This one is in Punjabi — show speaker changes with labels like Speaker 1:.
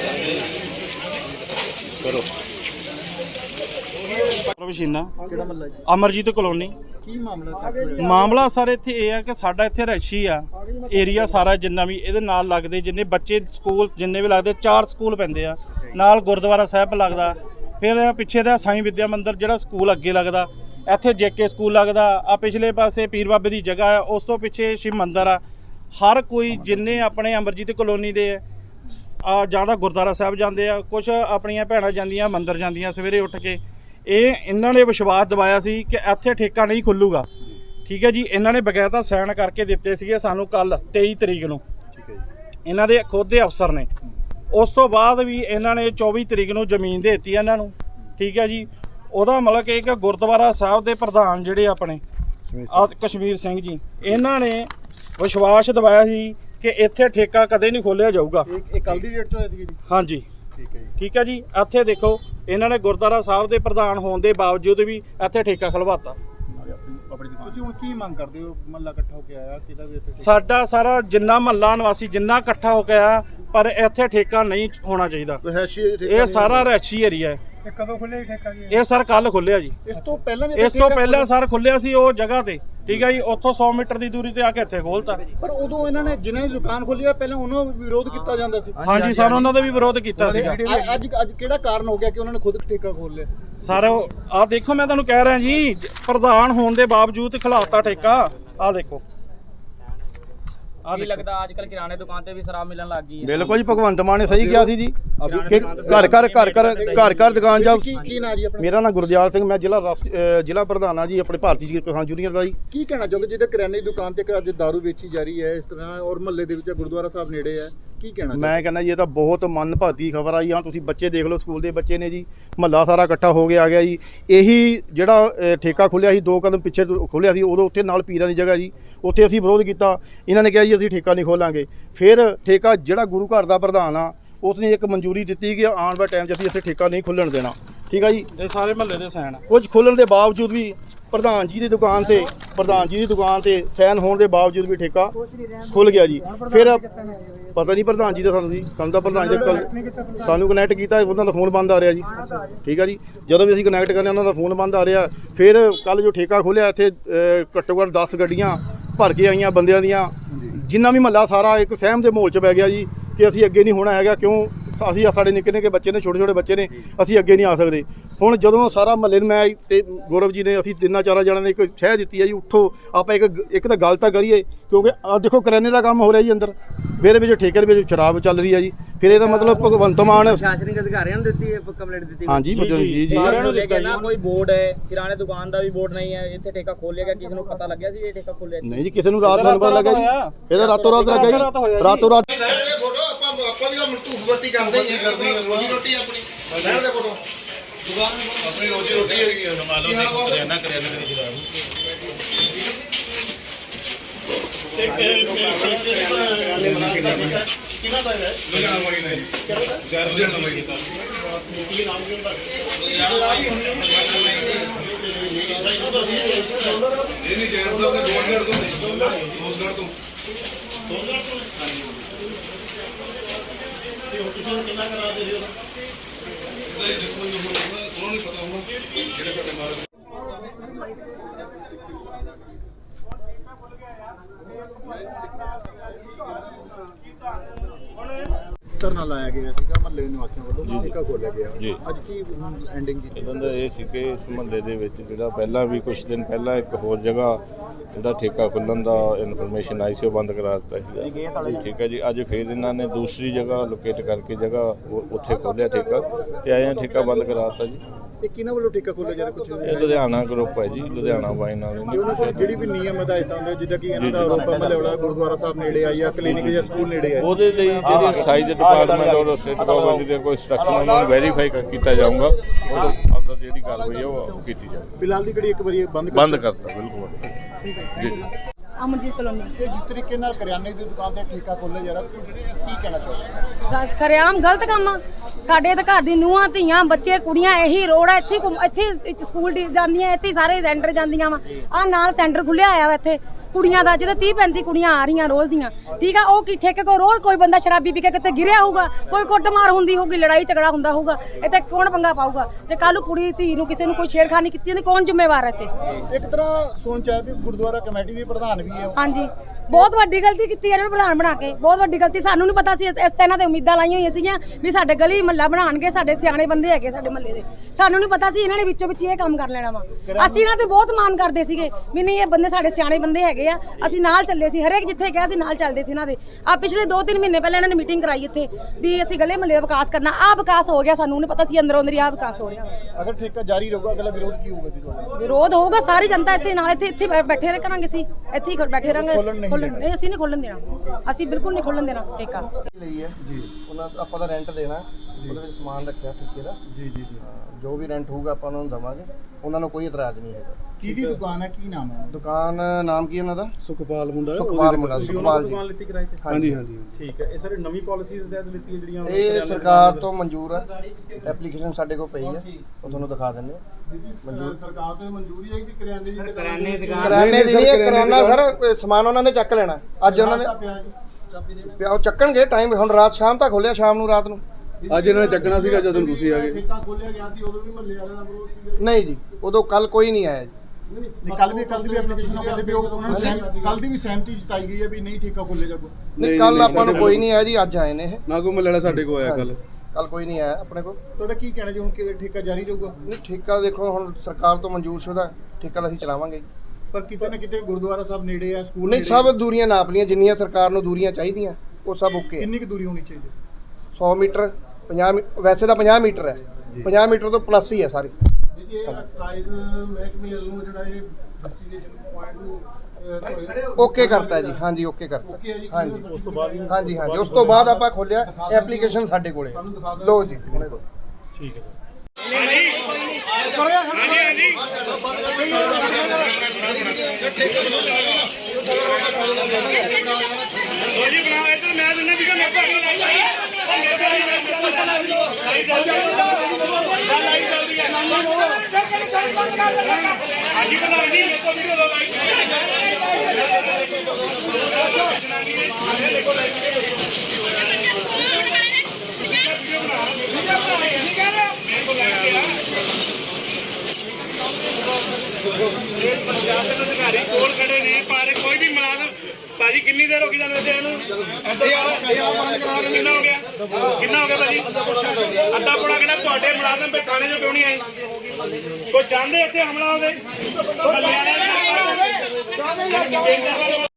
Speaker 1: करो
Speaker 2: ਮਸ਼ੀਨਾਂ ਅਮਰਜੀਤ ਕਲੋਨੀ।
Speaker 3: ਕੀ
Speaker 2: ਮਾਮਲਾ ਸਰ ਇੱਥੇ ਇਹ ਆ ਕਿ ਸਾਡਾ ਇੱਥੇ ਰੈਸ਼ੀ ਆ ਏਰੀਆ ਸਾਰਾ ਜਿੰਨਾ ਵੀ ਇਹਦੇ ਨਾਲ ਲੱਗਦੇ ਜਿੰਨੇ ਬੱਚੇ ਸਕੂਲ ਜਿੰਨੇ ਵੀ ਲੱਗਦੇ 4 ਸਕੂਲ ਪੈਂਦੇ ਆ ਨਾਲ ਗੁਰਦੁਆਰਾ ਸਾਹਿਬ ਲੱਗਦਾ, ਫਿਰ ਪਿੱਛੇ ਦਾ ਸਾਈਂ ਵਿਦਿਆ ਮੰਦਿਰ ਜਿਹੜਾ ਸਕੂਲ ਅੱਗੇ ਲੱਗਦਾ, ਇੱਥੇ ਜੇਕੇ ਸਕੂਲ ਲੱਗਦਾ, ਆ ਪਿਛਲੇ ਪਾਸੇ ਪੀਰ ਬਾਬੇ ਦੀ ਜਗ੍ਹਾ ਆ, ਉਸ ਤੋਂ ਪਿੱਛੇ ਸ਼ਿਵ ਮੰਦਿਰ ਆ। ਹਰ ਕੋਈ ਜਿੰਨੇ ਆਪਣੇ ਅਮਰਜੀਤ ਕਲੋਨੀ ਦੇ ਆ ਜਾਂ ਗੁਰਦੁਆਰਾ ਸਾਹਿਬ ਜਾਂਦੇ ਆ, ਕੁਛ ਆਪਣੀਆਂ ਭੈਣਾਂ ਜਾਂਦੀਆਂ ਮੰਦਿਰ ਜਾਂਦੀਆਂ ਸਵੇਰੇ ਉੱਠ ਕੇ। ਇਹਨਾਂ ਨੇ ਵਿਸ਼ਵਾਸ ਦਿਵਾਇਆ ਸੀ ਕਿ ਇੱਥੇ ਠੇਕਾ ਨਹੀਂ ਖੁੱਲੂਗਾ, ਠੀਕ ਹੈ ਜੀ। ਇਹਨਾਂ ਨੇ ਬਕਾਇਦਾ ਸਾਈਨ ਕਰਕੇ ਦਿੱਤੇ ਸੀਗੇ ਸਾਨੂੰ ਕੱਲ 23 ਤਰੀਕ ਨੂੰ, ਇਹਨਾਂ ਦੇ ਖੁਦ ਦੇ ਅਫਸਰ ਨੇ। ਉਸ ਤੋਂ ਬਾਅਦ ਵੀ ਇਹਨਾਂ ਨੇ 24 ਤਰੀਕ ਨੂੰ ਜ਼ਮੀਨ ਦੇ ਦਿੱਤੀ ਇਹਨਾਂ ਨੂੰ, ਠੀਕ ਹੈ ਜੀ। ਉਹਦਾ ਮਤਲਬ ਕਿ ਗੁਰਦੁਆਰਾ ਸਾਹਿਬ ਦੇ ਪ੍ਰਧਾਨ ਜਿਹੜੇ ਆਪਣੇ ਕਸ਼ਮੀਰ ਸਿੰਘ ਜੀ, ਇਹਨਾਂ ਨੇ ਵਿਸ਼ਵਾਸ ਦਿਵਾਇਆ ਸੀ ਕਿ ਇੱਥੇ ਠੇਕਾ ਕਦੇ ਨਹੀਂ ਖੋਲ੍ਹਿਆ ਜਾਊਗਾ।
Speaker 3: ਇਹ ਕੱਲ ਦੀ ਡੇਟ 'ਚ ਹੋਇਆ ਸੀ ਜੀ?
Speaker 2: ਹਾਂਜੀ, ਠੀਕ ਹੈ ਜੀ। ਇੱਥੇ ਦੇਖੋ ਇਹਨਾਂ ਨੇ ਗੁਰਦੁਆਰਾ ਸਾਹਿਬ ਦੇ ਪ੍ਰਧਾਨ ਹੋਣ ਦੇ ਬਾਵਜੂਦ ਵੀ ਇੱਥੇ ਠੇਕਾ ਖੁਲਵਾਤਾ।
Speaker 3: ਤੁਸੀਂ ਹੁਣ ਕੀ ਮੰਗ ਕਰਦੇ ਹੋ? ਮਹੱਲਾ ਇਕੱਠਾ ਹੋ ਕੇ ਆਇਆ ਕਿਹਦਾ ਵੀ ਇੱਥੇ? ਸਾਡਾ
Speaker 2: ਸਾਰਾ ਜਿੰਨਾ ਮਹੱਲਾ ਨਿਵਾਸੀ ਜਿੰਨਾ ਇਕੱਠਾ ਹੋ ਕੇ ਆਇਆ, ਪਰ ਇੱਥੇ ਠੇਕਾ ਨਹੀਂ ਹੋਣਾ ਚਾਹੀਦਾ। ਇਹ ਸਾਰਾ ਰੈਸ਼ੀ ਏਰੀਆ ਹੈ।
Speaker 3: ਇਹ ਕਦੋਂ ਖੁੱਲਿਆ ਠੇਕਾ ਜੀ?
Speaker 2: ਇਹ ਸਰ ਕੱਲ ਖੁੱਲਿਆ ਜੀ।
Speaker 3: ਇਸ ਤੋਂ
Speaker 2: ਪਹਿਲਾਂ ਸਰ ਖੁੱਲਿਆ ਸੀ ਉਹ ਜਗ੍ਹਾ ਤੇ, ਠੀਕ ਹੈ ਜੀ। ਉੱਥੋਂ 100 ਮੀਟਰ ਦੀ ਦੂਰੀ ਤੇ ਆ ਕੇ ਇੱਥੇ ਖੋਲਤਾ।
Speaker 3: ਪਰ ਉਦੋਂ ਇਹਨਾਂ ਨੇ ਜਿਨ੍ਹਾਂ ਦੀ ਦੁਕਾਨ ਖੋਲੀ ਆ ਪਹਿਲਾਂ ਉਹਨਾਂ ਨੂੰ ਵਿਰੋਧ ਕੀਤਾ ਜਾਂਦਾ ਸੀ।
Speaker 2: ਹਾਂਜੀ ਸਰ, ਉਹਨਾਂ ਦਾ ਵੀ ਵਿਰੋਧ ਕੀਤਾ ਸੀਗਾ।
Speaker 3: ਅੱਜ ਕਿਹੜਾ ਕਾਰਨ ਹੋ ਗਿਆ ਕਿ ਉਹਨਾਂ ਨੇ ਖੁਦ ਠੇਕਾ ਖੋਲ ਲਿਆ?
Speaker 2: ਸਰ ਆਹ ਦੇਖੋ, ਮੈਂ ਤੁਹਾਨੂੰ ਕਹਿ ਰਿਹਾ ਜੀ, ਪ੍ਰਧਾਨ ਹੋਣ ਦੇ ਬਾਵਜੂਦ ਖਿਲਾਤਾ ਠੇਕਾ। ਆਹ ਦੇਖੋ,
Speaker 4: ਕੀ ਲੱਗਦਾ ਅੱਜ ਕੱਲ ਕਿਰਾਣੇ ਦੁਕਾਨ ਤੇ ਵੀ ਸ਼ਰਾਬ ਮਿਲਣ ਲੱਗ ਗਈ ਹੈ?
Speaker 5: ਬਿਲਕੁਲ ਜੀ, ਭਗਵੰਤ ਮਾਨ ਨੇ ਸਹੀ ਕਿਹਾ ਸੀ ਜੀ ਕਿ ਘਰ ਦੁਕਾਨ ਜਾਓ।
Speaker 3: ਕੀ ਨਾਂ ਜੀ ਆਪਣਾ?
Speaker 5: ਮੇਰਾ ਨਾਮ ਗੁਰਦਿਆਲ ਸਿੰਘ, ਮੈਂ ਜ਼ਿਲ੍ਹਾ ਪ੍ਰਧਾਨ ਆ ਜੀ ਆਪਣੇ ਭਾਰਤੀ ਕਿਸਾਨ ਯੂਨੀਅਨ ਦਾ ਜੀ।
Speaker 3: ਕੀ ਕਹਿਣਾ ਚਾਹੋਗੇ ਜਿਹਦੇ ਕਰਿਆਨੇ ਦੀ ਦੁਕਾਨ ਤੇ ਅੱਜ ਦਾਰੂ ਵੇਚੀ ਜਾ ਰਹੀ ਹੈ ਇਸ ਤਰ੍ਹਾਂ, ਔਰ ਮਹੱਲੇ ਦੇ ਵਿੱਚ ਗੁਰਦੁਆਰਾ ਸਾਹਿਬ ਨੇੜੇ ਹੈ, ਕੀ ਕਹਿਣਾ?
Speaker 5: ਮੈਂ ਕਹਿੰਦਾ ਜੀ ਇਹ ਤਾਂ ਬਹੁਤ ਮੰਦਭਾਗੀ ਖਬਰ ਆਈ। ਹਾਂ ਤੁਸੀਂ ਬੱਚੇ ਦੇਖ ਲਓ, ਸਕੂਲ ਦੇ ਬੱਚੇ ਨੇ ਜੀ, ਮਹੱਲਾ ਸਾਰਾ ਇਕੱਠਾ ਹੋ ਕੇ ਆ ਗਿਆ ਜੀ। ਇਹੀ ਜਿਹੜਾ ਠੇਕਾ ਖੁੱਲਿਆ ਸੀ 2 ਕਦਮ ਪਿੱਛੇ ਖੁੱਲਿਆ ਸੀ, ਉਦੋਂ ਉੱਥੇ ਨਾਲ ਪੀਰਾਂ ਦੀ ਜਗ੍ਹਾ ਜੀ, ਉੱਥੇ ਅਸੀਂ ਵਿਰੋਧ ਕੀਤਾ। ਇਹਨਾਂ ਨੇ ਕਿਹਾ ਜੀ ਅਸੀਂ ਠੇਕਾ ਨਹੀਂ ਖੋਲਾਂਗੇ। ਫਿਰ ਠੇਕਾ ਜਿਹੜਾ ਗੁਰੂ ਘਰ ਦਾ ਪ੍ਰਧਾਨ ਆ ਉਸਨੇ ਇੱਕ ਮਨਜ਼ੂਰੀ ਦਿੱਤੀ ਕਿ ਆਉਣ ਵਾਲੇ ਟਾਈਮ 'ਚ ਅਸੀਂ ਇੱਥੇ ਠੇਕਾ ਨਹੀਂ ਖੁੱਲਣ ਦੇਣਾ, ਠੀਕ ਆ ਜੀ।
Speaker 2: ਇਹ ਸਾਰੇ ਮਹੱਲੇ ਦੇ ਸਾਈਨ
Speaker 5: ਕੁਝ ਖੋਲ੍ਹਣ ਦੇ ਬਾਵਜੂਦ ਵੀ ਪ੍ਰਧਾਨ ਜੀ ਦੀ ਦੁਕਾਨ ਤੇ ਸਾਈਨ ਹੋਣ ਦੇ ਬਾਵਜੂਦ ਵੀ ਠੇਕਾ ਖੁੱਲ ਗਿਆ ਜੀ। ਫਿਰ ਪਤਾ ਨਹੀਂ ਪ੍ਰਧਾਨ ਜੀ ਦਾ ਸਾਨੂੰ ਤਾਂ ਪ੍ਰਧਾਨ ਜੀ ਸਾਨੂੰ ਕਨੈਕਟ ਕੀਤਾ, ਉਹਨਾਂ ਦਾ ਫੋਨ ਬੰਦ ਆ ਰਿਹਾ ਜੀ, ਠੀਕ ਆ ਜੀ। ਜਦੋਂ ਵੀ ਅਸੀਂ ਕਨੈਕਟ ਕਰਨੇ ਉਹਨਾਂ ਦਾ ਫੋਨ ਬੰਦ ਆ ਰਿਹਾ। ਫਿਰ ਕੱਲ ਜੋ ਠੇਕਾ ਖੋਲ੍ਹਿਆ ਇੱਥੇ ਘੱਟੋ ਘੱਟ 10 ਗੱਡੀਆਂ ਭਰ ਕੇ ਆਈਆਂ ਬੰਦਿਆਂ ਦੀਆਂ। ਜਿੰਨਾ ਵੀ ਮਹੱਲਾ ਸਾਰਾ ਇੱਕ ਸਹਿਮ ਦੇ ਮਾਹੌਲ 'ਚ ਪੈ ਗਿਆ ਜੀ ਕਿ ਅਸੀਂ ਅੱਗੇ ਨਹੀਂ ਹੋਣਾ ਹੈਗਾ। ਕਿਉਂ? ਅਸੀਂ ਸਾਡੇ ਨਿੱਕੇ ਬੱਚੇ ਨੇ, ਛੋਟੇ ਬੱਚੇ ਨੇ, ਅਸੀਂ ਅੱਗੇ ਨਹੀਂ ਆ ਸਕਦੇ। ਹੁਣ ਜਦੋਂ ਸਾਰਾ ਮਹੱਲੇ ਨੂੰ ਮੈਂ ਤੇ ਗੌਰਵ ਜੀ ਨੇ ਅਸੀਂ 3-4 ਜਣਿਆਂ ਨੇ ਇੱਕ ਛਹਿ ਦਿੱਤੀ ਹੈ ਜੀ, ਉੱਠੋ ਆਪਾਂ ਇੱਕ ਤਾਂ ਗੱਲ ਤਾਂ ਕਰੀਏ, ਕਿਉਂਕਿ ਆ ਦੇਖੋ ਕਰਿਆਨੇ ਦਾ ਕੰਮ ਹੋ ਰਿਹਾ ਜੀ ਅੰਦਰ, ਮੇਰੇ ਵਿੱਚ ਠੇਕੇ ਦੇ ਵਿੱਚ ਸ਼ਰਾਬ ਚੱਲ ਰਹੀ ਹੈ ਜੀ। ਫਿਰ ਇਹਦਾ ਮਤਲਬ ਭਗਵੰਤ ਮਾਨ
Speaker 4: ਪ੍ਰਸ਼ਾਸਨਿਕ ਅਧਿਕਾਰੀਆਂ ਨੂੰ ਦਿੱਤੀ ਹੈ ਕੰਪਲੇਂਟ ਦਿੱਤੀ?
Speaker 5: ਹਾਂਜੀ ਜੀ
Speaker 4: ਸਾਰਿਆਂ ਨੂੰ ਦਿੱਤਾ ਜੀ। ਕੋਈ ਬੋਰਡ ਹੈ ਕਿਰਾਣੇ ਦੁਕਾਨ ਦਾ ਵੀ ਬੋਰਡ ਨਹੀਂ ਹੈ, ਇੱਥੇ ਠੇਕਾ ਖੋਲਿਆ ਗਿਆ, ਕਿਸੇ ਨੂੰ ਪਤਾ ਲੱਗਿਆ ਸੀ ਇਹ ਠੇਕਾ ਖੋਲਿਆ?
Speaker 5: ਨਹੀਂ ਜੀ, ਕਿਸੇ ਨੂੰ ਰਾਤ ਸਾਨੂੰ ਪਤਾ ਲੱਗਾ ਜੀ, ਇਹਦਾ ਰਾਤੋਂ ਰਾਤ ਲੱਗਾ ਜੀ, ਰਾਤੋਂ ਰਾਤ।
Speaker 3: ਆਪਾਂ ਵੀ ਧੂਫ ਕਰਦੇ ਹੀ ਰੋਜੀ ਰੋਟੀ ਆਪਣੀ ਰਹਿਣ ਦੇ ਫੋਟੋ ਦੁਕਾਨ ਆਪਣੀ ਰੋਜੀ ਰੋਟੀ ਹੈਗੀ ਹੈ। ਮੰਨ ਲਓ ਕਰਿਆਨਾ ਦੀ ਸ਼ਰਾਬ ਕਿਹਨਾਂ ਦਾ ਹੈ? ਲੁਧਿਆਣਾ ਵਾਲੀ ਨਹੀਂ ਲੁਧਿਆਣਾ ਵਾਲੀ ਕੀ ਨਾਮ ਕਿਉਂ ਦਾ ਇਹ ਨਹੀਂ ਜੈਨ ਸਾਹਿਬ ਨੇ ਜੋੜ ਕਰ ਦੋ ਰੋਜ਼ਗਾਰ ਤੋਂ ਕਿੰਨਾ ਕਰਾ ਦੇ ਰਹੇ ਹੋ? ਉਹਨਾਂ ਨੂੰ ਪਤਾ ਹੋਊਗਾ ਜਿਹੜੇ ਤੁਹਾਡੇ ਨਾਲ ਧਰਨਾ ਲਾਇਆ ਗਿਆ ਸੀਗਾ ਮਹੱਲੇ ਨਿਵਾਸੀਆਂ ਵੱਲੋਂ, ਠੇਕਾ ਖੋਲਿਆ ਗਿਆ। ਅੱਜ ਕੀ ਐਂਡਿੰਗ ਕੀਤੀ?
Speaker 1: ਇਹਨਾਂ ਦਾ ਇਹ ਸੀ ਕਿ ਇਸ ਮਹੱਲੇ ਦੇ ਵਿੱਚ ਜਿਹੜਾ ਪਹਿਲਾਂ ਵੀ ਕੁਝ ਦਿਨ ਪਹਿਲਾਂ ਇੱਕ ਹੋਰ ਜਗ੍ਹਾ ਜਿਹੜਾ ਠੇਕਾ ਖੁੱਲ੍ਹਣ ਦਾ ਇਨਫੋਰਮੇਸ਼ਨ ਆਈ ਸੀ, ਉਹ ਬੰਦ ਕਰਾ ਦਿੱਤਾ ਸੀਗਾ, ਠੀਕ ਹੈ ਜੀ। ਅੱਜ ਫਿਰ ਇਹਨਾਂ ਨੇ ਦੂਸਰੀ ਜਗ੍ਹਾ ਲੋਕੇਟ ਕਰਕੇ ਜਗ੍ਹਾ ਉੱਥੇ ਖੋਲ੍ਹਿਆ ਠੇਕਾ, ਤੇ ਆਏ ਠੇਕਾ ਬੰਦ ਕਰਾ ਦਿੱਤਾ ਜੀ।
Speaker 3: ਇਹ ਕਿਹਨਾਂ ਵੱਲੋਂ ਠੇਕਾ ਖੋਲ੍ਹਿਆ ਜਾ ਰਿਹਾ? ਕੁਝ
Speaker 1: ਇਹ ਲੁਧਿਆਣਾ ਗਰੁੱਪ ਹੈ ਜੀ, ਲੁਧਿਆਣਾ ਵਾਈਨ ਵਾਲੇ ਨੇ।
Speaker 3: ਜਿਹੜੀ ਵੀ ਨਿਯਮ ਹਦਾਇਤਾਂ ਹੁੰਦੇ, ਜਿੱਦਾਂ ਕਿ ਇਹਨਾਂ ਦਾ ਆਰੋਪ ਹੈ ਮਹੱਲੇ ਵਾਲਾ ਗੁਰਦੁਆਰਾ ਸਾਹਿਬ ਨੇੜੇ ਆ ਜਾਂ ਕਲੀਨਿਕ ਜਾਂ ਸਕੂਲ ਨੇੜੇ ਆ, ਉਹਦੇ
Speaker 1: ਲਈ ਜਿਹੜੀ ਐਕਸਾਈਜ਼ ਡਿਪਾਰਟਮੈਂਟ ਔਰ ਸਟੇਟ ਗਵਰਨਮੈਂਟ ਦੇ ਕੋਈ ਇੰਸਟਰਕਸ਼ਨ ਉਹਨਾਂ ਨੂੰ ਵੈਰੀਫਾਈ ਕੀਤਾ ਜਾਊਗਾ, ਉਹਦਾ ਜਿਹੜੀ ਕਾਰਵਾਈ ਹੈ ਉਹ ਕੀਤੀ ਜਾਊਗੀ।
Speaker 3: ਫਿਲਹਾਲ ਦੀ ਘੜੀ ਇੱਕ ਵਾਰੀ
Speaker 1: ਬੰਦ ਕਰਤਾ ਬਿਲਕੁਲ ਜੀ।
Speaker 6: ਅਮਰਜੀਤ ਕਲੋਨੀ
Speaker 3: ਤੇ ਜਿਸ ਤਰੀਕੇ ਨਾਲ ਕਰਿਆਨੇ ਦੀ ਦੁਕਾਨ ਤੇ ਠੇਕਾ ਖੋਲ੍ਹਿਆ ਜਾ ਰਿਹਾ, ਕੀ ਕਹਿਣਾ ਚਾਹੁੰਦੇ?
Speaker 6: ਸਰੇਆਮ ਗਲਤ ਕੰਮ ਆ। ਸਾਡੇ ਤਾਂ ਘਰ ਦੀ ਨੂੰਹਾਂ ਧੀਆਂ ਬੱਚੇ ਕੁੜੀਆਂ ਇਹੀ ਰੋਡ ਆ, ਇੱਥੇ ਸਕੂਲ ਜਾਂਦੀਆਂ, ਇੱਥੇ ਸਾਰੇ ਸੈਂਟਰ ਜਾਂਦੀਆਂ ਵਾ। ਆ ਨਾਲ ਸੈਂਟਰ ਖੁੱਲਿਆ ਆਇਆ ਵਾ ਇੱਥੇ, ਕੁੜੀਆਂ ਦਾ, ਜਦੋਂ 30-35 ਕੁੜੀਆਂ ਆ ਰਹੀਆਂ ਰੋਜ਼ ਦੀਆਂ, ਠੀਕ ਆ, ਉਹ ਕੀ ਠੇਕੇ ਕੋ ਰੋਜ਼ ਕੋਈ ਬੰਦਾ ਸ਼ਰਾਬੀ ਪੀ ਕੇ ਕਿਤੇ ਗਿਰਿਆ ਹੋਊਗਾ, ਕੋਈ ਕੁੱਟਮਾਰ ਹੁੰਦੀ ਹੋਊਗੀ, ਲੜਾਈ ਝਗੜਾ ਹੁੰਦਾ ਹੋਊਗਾ, ਇੱਥੇ ਕੌਣ ਪੰਗਾ ਪਾਊਗਾ? ਜੇ ਕੱਲ ਕੁੜੀ ਧੀ ਨੂੰ ਕਿਸੇ ਨੂੰ ਕੋਈ ਛੇੜਖਾਨੀ ਕੀਤੀ ਜਾਂਦੀ, ਕੌਣ ਜ਼ਿੰਮੇਵਾਰ ਹੈ ਇੱਥੇ?
Speaker 5: ਇੱਕ ਤਰ੍ਹਾਂ ਸੋਚ ਹੈ ਵੀ ਗੁਰਦੁਆਰਾ ਕਮੇਟੀ ਦੇ ਪ੍ਰਧਾਨ ਵੀ ਹੈ।
Speaker 6: ਹਾਂਜੀ, ਬਹੁਤ ਵੱਡੀ ਗਲਤੀ ਕੀਤੀ ਇਹਨਾਂ ਨੇ ਪ੍ਰਧਾਨ ਬਣਾ ਕੇ, ਬਹੁਤ ਵੱਡੀ ਗਲਤੀ। ਸਾਨੂੰ ਨਹੀਂ ਪਤਾ ਸੀ, ਇਸ ਤੇ ਇਹਨਾਂ ਤੇ ਉਮੀਦਾਂ ਲਾਈਆਂ ਹੋਈਆਂ ਸੀਗੀਆਂ ਵੀ ਸਾਡੇ ਗਲੀ ਮਹੱਲਾ ਬਣਾਉਣਗੇ, ਸਾਡੇ ਸਿਆਣੇ ਬੰਦੇ ਹੈਗੇ ਸਾਡੇ ਮਹੱਲੇ ਦੇ। ਸਾਨੂੰ ਨਹੀਂ ਪਤਾ ਸੀ ਇਹਨਾਂ ਨੇ ਵਿੱਚੋਂ ਵਿੱਚ ਇਹ ਕੰਮ ਕਰ ਲੈਣਾ ਵਾ। ਅਸੀਂ ਇਹਨਾਂ ਤੇ ਬਹੁਤ ਮਾਣ ਕਰਦੇ ਸੀਗੇ ਵੀ ਨਹੀਂ, ਇਹ ਬੰਦੇ ਸਾਡੇ ਸਿਆਣੇ ਬੰਦੇ ਹੈਗੇ ਆ, ਅਸੀਂ ਨਾਲ ਚੱਲੇ ਸੀ, ਹਰੇਕ ਜਿੱਥੇ ਗਿਆ ਸੀ ਨਾਲ ਚੱਲਦੇ ਸੀ ਇਹਨਾਂ ਦੇ। ਆ ਪਿਛਲੇ 2-3 ਮਹੀਨੇ ਪਹਿਲਾਂ ਇਹਨਾਂ ਨੇ ਮੀਟਿੰਗ ਕਰਾਈ ਇੱਥੇ ਵੀ ਅਸੀਂ ਗਲੇ ਮਹੱਲੇ ਦਾ ਵਿਕਾਸ ਕਰਨਾ। ਆ ਵਿਕਾਸ ਹੋ ਗਿਆ, ਸਾਨੂੰ ਨਹੀਂ ਪਤਾ ਸੀ ਅੰਦਰੋਂ ਅੰਦਰ ਆ ਵਿਕਾਸ ਹੋ ਰਿਹਾ।
Speaker 5: ਅਗਰ ਠੇਕਾ ਜਾਰੀ ਰਹੂਗਾ, ਅਗਲਾ ਵਿਰੋਧ ਕੀ ਹੋਊਗਾ ਜੀ ਤੁਹਾਡਾ?
Speaker 6: ਵਿਰੋਧ ਹੋਊਗਾ, ਸਾਰੀ ਜਨਤਾ ਇਸੇ ਨਾਲ ਇੱਥੇ ਬੈਠੇ ਰਹੇ ਕਰਾਂਗੇ, ਅਸੀਂ ਇੱਥੇ ਹੀ ਬੈਠੇ ਰਹਾਂਗੇ। ਨਹੀਂ, ਅਸੀਂ ਨਹੀਂ ਖੋਲਣ ਦੇਣਾ, ਅਸੀਂ ਬਿਲਕੁਲ ਨਹੀਂ ਖੋਲਣ ਦੇਣਾ ਠੇਕਾ।
Speaker 5: ਲਈ ਹੈ ਜੀ, ਉਹਨਾਂ ਆਪਾਂ ਦਾ ਰੈਂਟ ਦੇਣਾ, ਉਹਦੇ ਵਿੱਚ ਸਮਾਨ ਰੱਖਿਆ ਠੇਕੇ ਦਾ। ਜੀ ਜੀ ਜੀ, ਜੋ ਵੀ ਰੈਂਟ ਹੋਊਗਾ ਆਪਾਂ ਉਹਨਾਂ ਨੂੰ ਦੇਵਾਂਗੇ, ਉਹਨਾਂ ਨੂੰ ਕੋਈ ਇਤਰਾਜ਼ ਨਹੀਂ ਹੈਗਾ।
Speaker 7: ਕਿਹਦੀ ਦੁਕਾਨ ਹੈ, ਕੀ ਨਾਮ ਹੈ?
Speaker 5: ਦੁਕਾਨ ਨਾਮ ਕੀ ਉਹਨਾਂ ਦਾ?
Speaker 7: ਸੁਖਪਾਲ ਮੁੰਡਾ,
Speaker 5: ਸੁਖਪਾਲ ਮੁੰਡਾ, ਸੁਖਪਾਲ ਜੀ।
Speaker 4: ਦੁਕਾਨ ਲਿੱਤੀ ਕਿਰਾਏ ਤੇ?
Speaker 7: ਹਾਂਜੀ ਹਾਂਜੀ
Speaker 4: ਠੀਕ ਹੈ। ਇਹ ਸਰ ਨਵੀਂ ਪਾਲਿਸੀ ਦੇ ਤਹਿਤ ਲਿੱਤੀ ਜਿਹੜੀਆਂ
Speaker 5: ਇਹ ਸਰਕਾਰ ਤੋਂ ਮਨਜ਼ੂਰ ਹੈ, ਐਪਲੀਕੇਸ਼ਨ ਸਾਡੇ ਕੋਲ ਪਈ ਹੈ, ਉਹ ਤੁਹਾਨੂੰ ਦਿਖਾ ਦਿੰਦੇ ਹਾਂ। ਮਨਜ਼ੂਰ
Speaker 7: ਸਰਕਾਰ ਤੋਂ ਮਨਜ਼ੂਰੀ ਹੈ ਕਿ ਕਰਿਆਨੇ ਦੀ ਦੁਕਾਨ?
Speaker 5: ਕਰਿਆਨੇ ਦੀ ਨਹੀਂ ਹੈ, ਕਰਿਆਨਾ ਸਰ ਸਮਾਨ ਉਹਨਾਂ ਨੇ ਚੱਕ ਲੈਣਾ। ਅੱਜ ਉਹਨਾਂ ਨੇ ਉਹ ਚੱਕਣਗੇ, ਟਾਈਮ ਹੁਣ ਰਾਤ ਸ਼ਾਮ ਤੱਕ ਖੋਲਿਆ, ਸ਼ਾਮ ਨੂੰ ਰਾਤ ਨੂੰ।
Speaker 7: ਅੱਜ ਇਹਨਾਂ ਨੇ ਚੱਕਣਾ ਸੀਗਾ ਜਦੋਂ ਤੁਸੀਂ ਆ ਗਏ। ਠੇਕਾ ਖੋਲਿਆ ਗਿਆ ਸੀ, ਉਦੋਂ ਵੀ ਮਹੱਲੇ ਵਾਲਿਆਂ ਦਾ ਵਿਰੋਧ ਸੀਗਾ?
Speaker 5: ਨਹੀਂ ਜੀ, ਉਦੋਂ ਕੱਲ ਕੋਈ ਨਹੀਂ ਆਇਆ ਜੀ।
Speaker 7: ਨਹੀਂ, ਕੱਲ ਦੀ ਵੀ ਐਪਲੀਕੇਸ਼ਨ ਕਹਿੰਦੇ ਵੀ ਉਹਨਾਂ ਨੂੰ ਕੱਲ ਦੀ ਵੀ ਸਹਿਮਤੀ ਜਤਾਈ ਗਈ ਹੈ ਵੀ ਨਹੀਂ ਠੇਕਾ ਖੋਲਿਆ ਜਾਊਗਾ।
Speaker 5: ਨਹੀਂ, ਕੱਲ ਆਪਾਂ ਨੂੰ ਕੋਈ ਨਹੀਂ ਆਇਆ ਜੀ, ਅੱਜ ਆਏ ਨੇ ਇਹ।
Speaker 7: ਨਾ ਕੋਈ ਮਹੱਲੇ ਵਾਲਾ ਸਾਡੇ ਕੋਲ ਆਇਆ
Speaker 5: ਕੱਲ ਕੋਈ ਨਹੀਂ ਆਇਆ ਆਪਣੇ ਕੋਲ।
Speaker 7: ਤੁਹਾਡਾ ਕੀ ਕਹਿਣਾ ਜੀ, ਹੁਣ ਕਿ ਠੇਕਾ ਜਾਰੀ ਰਹੂਗਾ?
Speaker 5: ਨਹੀਂ, ਠੇਕਾ ਦੇਖੋ ਹੁਣ ਸਰਕਾਰ ਤੋਂ ਮਨਜ਼ੂਰਸ਼ੁਦਾ ਠੇਕਾ ਤਾਂ ਅਸੀਂ ਚਲਾਵਾਂਗੇ ਜੀ।
Speaker 7: ਪਰ ਕਿਤੇ ਨਾ ਕਿਤੇ ਗੁਰਦੁਆਰਾ ਸਾਹਿਬ ਨੇੜੇ ਆ, ਸਕੂਲ
Speaker 5: ਨਹੀਂ, ਸਭ ਦੂਰੀਆਂ ਨਾਪ ਲੀਆਂ, ਜਿੰਨੀਆਂ ਸਰਕਾਰ ਨੂੰ ਦੂਰੀਆਂ ਚਾਹੀਦੀਆਂ ਉਹ ਸਭ ਓਕੇ।
Speaker 7: ਕਿੰਨੀ ਕੁ ਦੂਰੀ ਹੋਣੀ ਚਾਹੀਦੀ?
Speaker 5: 100 ਮੀਟਰ, 50 ਵੈਸੇ ਤਾਂ 50 ਮੀਟਰ ਹੈ, 50 ਮੀਟਰ ਤੋਂ ਪਲੱਸ ਹੀ ਹੈ ਸਾਰੀ।
Speaker 7: ਜੀ, ਇਹ ਐਕਸਾਈਜ਼ ਮਹਿਕਮੇ ਵੱਲੋਂ ਜਿਹੜਾ ਇਹ ਇਨਵੈਸਟੀਗੇਸ਼ਨ ਪੁਆਇੰਟ ਨੂੰ
Speaker 5: ਓਕੇ ਕਰਤਾ ਜੀ, ਹਾਂਜੀ ਓਕੇ ਕਰਤਾ, ਹਾਂਜੀ ਉਸ ਤੋਂ ਬਾਅਦ ਹਾਂਜੀ ਹਾਂਜੀ ਉਸ ਤੋਂ ਬਾਅਦ ਆਪਾਂ ਖੋਲਿਆ, ਐਪਲੀਕੇਸ਼ਨ ਸਾਡੇ ਕੋਲੇ ਲਓ ਜੀ, ਹੁਣੇ ਲਓ। ਠੀਕ ਹੈ
Speaker 8: ਪ੍ਰਸ਼ਾਸਨ ਅਧਿਕਾਰੀ ਕੋਲ ਖੜੇ ਨੇ, ਪਰ ਕੋਈ ਵੀ ਮੁਲਾਜ਼ਮ ਭਾਜੀ ਕਿੰਨੀ ਦੇਰ ਹੋ ਗਈ ਤੁਹਾਨੂੰ ਇੱਥੇ ਇਹਨੂੰ? ਕਿੰਨਾ ਹੋ ਗਿਆ? ਕਿੰਨਾ ਹੋ ਗਿਆ ਭਾਜੀ? ਅੱਧਾ ਪੌਣਾ ਕਿੰਨਾ? ਤੁਹਾਡੇ ਮੁਲਾਜ਼ਮ ਫਿਰ ਥਾਣੇ 'ਚ ਕਿਉਂ ਨਹੀਂ ਆਏ? ਕੋਈ ਚਾਹੁੰਦੇ ਇੱਥੇ ਹਮਲਾ ਹੋਵੇ?